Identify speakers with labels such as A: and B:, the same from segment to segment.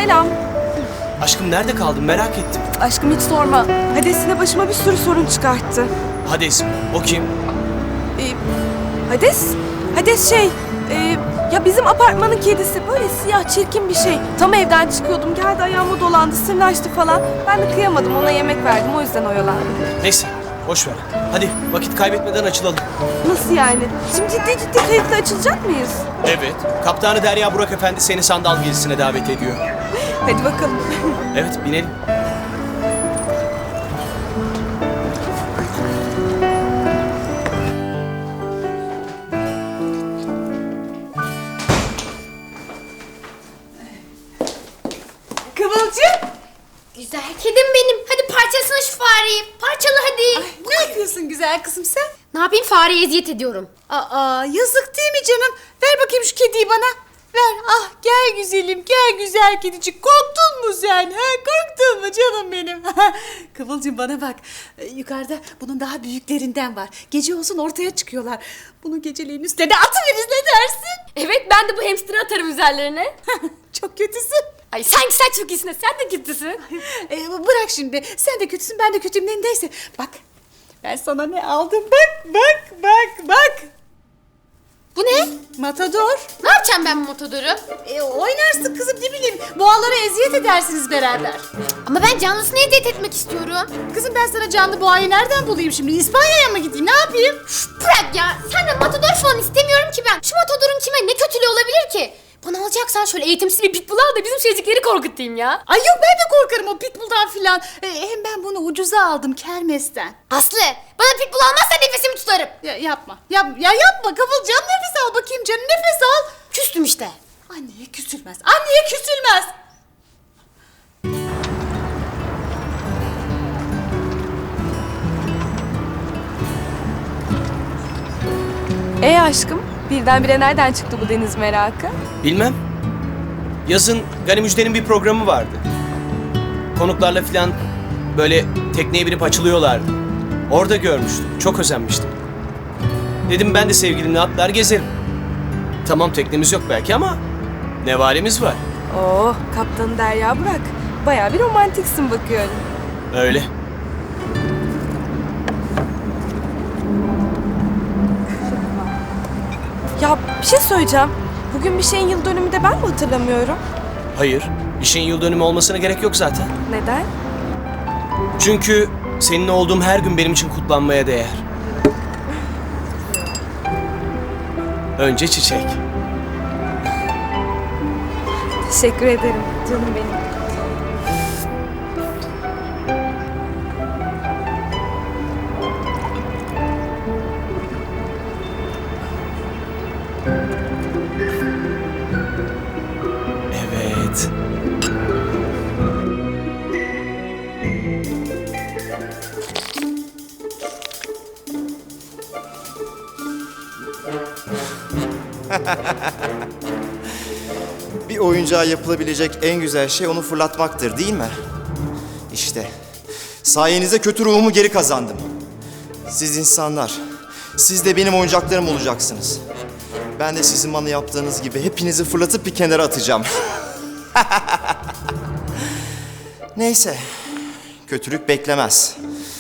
A: selam.
B: Aşkım nerede kaldın merak ettim.
A: Aşkım hiç sorma. Hades yine başıma bir sürü sorun çıkarttı.
B: Hades mi? O kim?
A: Hades ya bizim apartmanın kedisi böyle siyah çirkin bir şey. Tam evden çıkıyordum geldi ayağıma dolandı sırnaştı falan. Ben de kıyamadım ona yemek verdim o yüzden oyalandım.
B: Neyse boş ver. Hadi vakit kaybetmeden açılalım.
A: Nasıl yani? Şimdi ciddi kayıtla açılacak mıyız?
B: Evet. Kaptanı Derya Burak Efendi seni sandal gezisine davet ediyor.
A: Hadi bakalım.
B: Evet binelim.
A: Kıvılcım.
C: Güzel kedim benim. Hadi parçalasana şu fareyi. Parçala hadi.
D: Ne yapıyorsun güzel kızım sen?
C: Ne yapayım, fareye eziyet ediyorum.
D: Aa, yazık değil mi canım? Ver bakayım şu kediyi bana. Ver. Ah gel güzelim, gel güzel kedicik. Korktun mu sen? Ha? Korktun mu canım benim? Kıvılcım bana bak. Yukarıda bunun daha büyüklerinden var. Gece olsun ortaya çıkıyorlar. Bunu geceleyin üstüne de atıveririz, ne dersin?
C: Evet, ben de bu hamster'ı atarım üzerlerine.
D: Çok kötüsün.
C: Ay sanki sen çok iyisin, sen de kötüsün.
D: Bırak şimdi. Sen de kötüsün, ben de kötüyüm. Neyse. Bak. Ben sana ne aldım? Bak.
C: Bu ne?
D: Matador.
C: Ne yapacağım ben bu motodoru?
D: Oynarsın kızım, ne bileyim. Boğalara eziyet edersiniz beraber.
C: Ama ben canlısını eziyet etmek istiyorum.
D: Kızım ben sana canlı boğayı nereden bulayım şimdi? İspanya'ya mı gideyim? Ne yapayım?
C: Bırak ya, senden matador falan istemiyorum ki ben. Şu matadorun kime ne kötülüğü olabilir ki? Bana alacaksan şöyle eğitimsiz bir pitbull al da bizim şeycikleri korkutayım ya.
D: Ay yok, ben de korkarım o pitbull'dan filan. Hem ben bunu ucuza aldım kermesten.
C: Aslı, bana pitbull almazsan nefesimi tutarım.
D: Yapma. Yapma Kıvılcım, nefes al bakayım canım, nefes al.
C: Küstüm işte.
D: Anneye küsülmez. Anneye küsülmez.
A: Aşkım birdenbire nereden çıktı bu deniz merakı?
B: Bilmem. Yazın Gani Müjde'nin bir programı vardı. Konuklarla filan böyle tekneye binip açılıyorlardı. Orada görmüştüm. Çok özenmiştim. Dedim ben de sevgilimle atlar gezerim. Tamam teknemiz yok belki ama nevalemiz var.
A: Oo, kaptanı Derya Burak. Bayağı bir romantiksin bakıyorum.
B: Öyle.
A: Ya bir şey söyleyeceğim. Bugün bir şeyin yıl dönümü de ben mi hatırlamıyorum?
B: Hayır. Bir şeyin yıl dönümü olmasına gerek yok zaten.
A: Neden?
B: Çünkü seninle olduğum her gün benim için kutlanmaya değer. Önce çiçek.
A: Teşekkür ederim canım benim.
B: Evet.
E: Bir oyuncağa yapılabilecek en güzel şey onu fırlatmaktır, değil mi? İşte sayenizde kötü ruhumu geri kazandım. Siz insanlar, siz de benim oyuncaklarım olacaksınız. Ben de sizin bana yaptığınız gibi hepinizi fırlatıp bir kenara atacağım. Neyse, kötülük beklemez.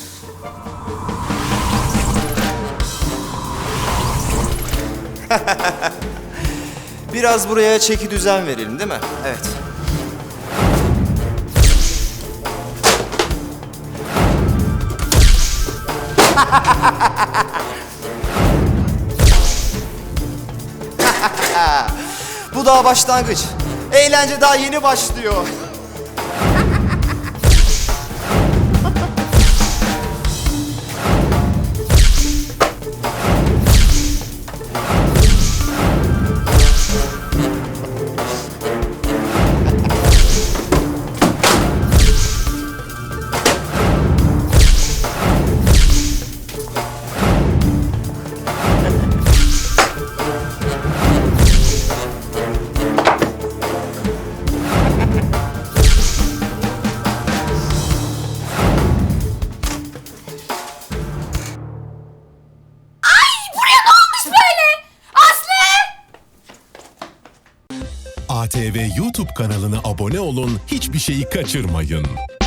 E: Biraz buraya çeki düzen verelim, değil mi? Evet. Bu daha başlangıç. Eğlence daha yeni başlıyor.
F: ATV YouTube kanalına abone olun, hiçbir şeyi kaçırmayın.